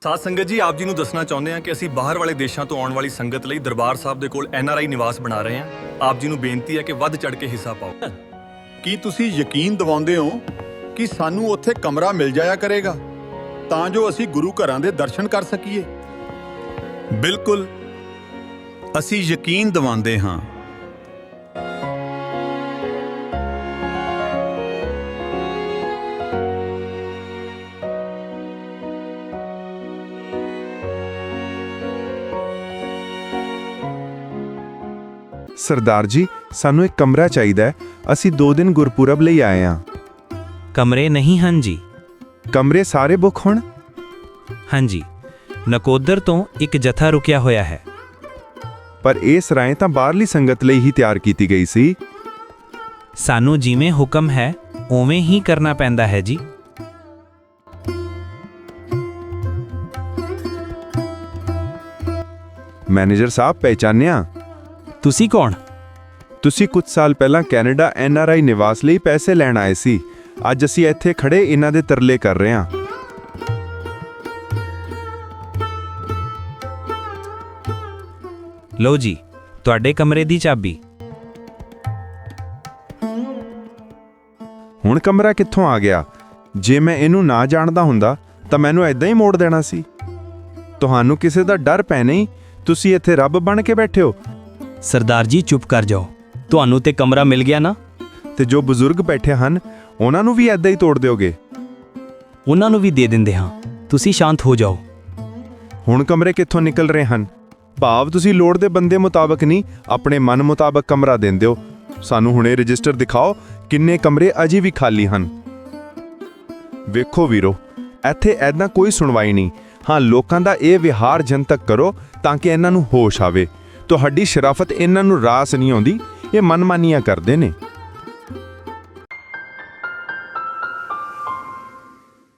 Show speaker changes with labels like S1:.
S1: ਸਾਧ ਸੰਗਤ ਜੀ, ਆਪ ਜੀ ਨੂੰ ਦੱਸਣਾ ਚਾਹੁੰਦੇ ਹਾਂ ਕਿ ਅਸੀਂ ਬਾਹਰ ਵਾਲੇ ਦੇਸ਼ਾਂ ਤੋਂ ਆਉਣ ਵਾਲੀ ਸੰਗਤ ਲਈ ਦਰਬਾਰ ਸਾਹਿਬ ਦੇ ਕੋਲ NRI ਨਿਵਾਸ ਬਣਾ ਰਹੇ ਹਾਂ। ਆਪ ਜੀ ਨੂੰ ਬੇਨਤੀ ਹੈ ਕਿ ਵੱਧ ਚੜ੍ਹ ਕੇ ਹਿੱਸਾ ਪਾਓ।
S2: ਕੀ ਤੁਸੀਂ ਯਕੀਨ ਦਿਵਾਉਂਦੇ ਹੋ ਕਿ ਸਾਨੂੰ ਉੱਥੇ ਕਮਰਾ ਮਿਲ ਜਾਇਆ ਕਰੇਗਾ ਤਾਂ ਜੋ ਅਸੀਂ ਗੁਰੂ ਘਰਾਂ ਦੇ ਦਰਸ਼ਨ ਕਰ ਸਕੀਏ?
S3: ਬਿਲਕੁਲ, ਅਸੀਂ ਯਕੀਨ ਦਿਵਾਉਂਦੇ ਹਾਂ।
S4: ਸਰਦਾਰ ਜੀ, ਸਾਨੂੰ ਇੱਕ ਕਮਰਾ ਚਾਹੀਦਾ ਹੈ। ਅਸੀਂ 2 ਦਿਨ ਗੁਰਪੁਰਬ ਲਈ ਆਏ ਹਾਂ।
S5: ਕਮਰੇ ਨਹੀਂ ਹਨ ਜੀ।
S4: ਕਮਰੇ ਸਾਰੇ ਬੁੱਕ ਹੋਣ?
S5: ਹਾਂਜੀ, ਨਕੋਦਰ ਤੋਂ ਇੱਕ ਜਥਾ ਰੁਕਿਆ ਹੋਇਆ ਹੈ।
S4: ਪਰ ਇਹ ਸਰਾਏ ਤਾਂ ਬਾਹਰਲੀ ਸੰਗਤ ਲਈ ਹੀ ਤਿਆਰ ਕੀਤੀ ਗਈ ਸੀ।
S5: ਸਾਨੂੰ ਜਿਵੇਂ ਹੁਕਮ ਹੈ ਉਵੇਂ ਹੀ ਕਰਨਾ ਪੈਂਦਾ ਹੈ ਜੀ।
S4: ਮੈਨੇਜਰ ਸਾਹਿਬ, ਪਹਿਚਾਨਿਆ?
S5: ਤੁਸੀਂ ਕੌਣ?
S4: ਤੁਸੀਂ ਕੁਝ ਸਾਲ ਪਹਿਲਾਂ ਕੈਨੇਡਾ NRI ਨਿਵਾਸ ਲਈ ਪੈਸੇ ਲੈਣ ਆਏ ਸੀ। ਅੱਜ ਅਸੀਂ ਇੱਥੇ ਖੜੇ ਇਹਨਾਂ ਦੇ ਤਰਲੇ ਕਰ ਰਹੇ ਹਾਂ।
S5: ਲਓ ਜੀ, ਤੁਹਾਡੇ ਕਮਰੇ ਦੀ ਚਾਬੀ।
S4: ਹੁਣ ਕਮਰਾ ਕਿੱਥੋਂ ਆ ਗਿਆ? ਜੇ ਮੈਂ ਇਹਨੂੰ ਨਾ ਜਾਣਦਾ ਹੁੰਦਾ ਤਾਂ ਮੈਨੂੰ ਐਦਾਂ ਹੀ ਮੋੜ ਦੇਣਾ ਸੀ। ਤੁਹਾਨੂੰ ਕਿਸੇ ਦਾ ਡਰ ਪੈ ਨਹੀਂ? ਤੁਸੀਂ ਇੱਥੇ ਰੱਬ ਬਣ ਕੇ ਬੈਠੇ ਹੋ।
S6: ਸਰਦਾਰ ਜੀ ਚੁੱਪ ਕਰ ਜਾਓ, ਤੁਹਾਨੂੰ ਤੇ ਕਮਰਾ ਮਿਲ ਗਿਆ ਨਾ।
S4: ਤੇ ਜੋ ਬਜ਼ੁਰਗ ਬੈਠੇ ਹਨ ਉਹਨਾਂ ਨੂੰ ਵੀ ਐਦਾਂ ਹੀ ਤੋੜ ਦਿਓਗੇ?
S6: ਉਹਨਾਂ ਨੂੰ ਵੀ ਦੇ ਦਿੰਦੇ ਹਾਂ, ਤੁਸੀਂ ਸ਼ਾਂਤ ਹੋ ਜਾਓ।
S4: ਹੁਣ ਕਮਰੇ ਕਿੱਥੋਂ ਨਿਕਲ ਰਹੇ ਹਨ? ਭਾਵ ਤੁਸੀਂ ਲੋੜ ਦੇ ਬੰਦੇ ਮੁਤਾਬਕ ਨਹੀਂ, ਆਪਣੇ ਮਨ ਮੁਤਾਬਕ ਕਮਰਾ ਦਿੰਦੇ ਹੋ। ਸਾਨੂੰ ਹੁਣੇ ਰਜਿਸਟਰ ਦਿਖਾਓ, ਕਿੰਨੇ ਕਮਰੇ ਅਜੇ ਵੀ ਖਾਲੀ ਹਨ। ਵੇਖੋ ਵੀਰੋ, ਇੱਥੇ ਐਦਾਂ ਕੋਈ ਸੁਣਵਾਈ ਨਹੀਂ। ਹਾਂ, ਲੋਕਾਂ ਦਾ ਇਹ ਵਿਹਾਰ ਜਨਤਕ ਕਰੋ ਤਾਂ ਕਿ ਇਹਨਾਂ ਨੂੰ ਹੋਸ਼ ਆਵੇ। ਤੁਹਾਡੀ ਸ਼ਰਾਫਤ ਇਹਨਾਂ ਨੂੰ ਰਾਸ ਨਹੀਂ ਆਉਂਦੀ, ਇਹ ਮਨਮਾਨੀਆਂ ਕਰਦੇ ਨੇ।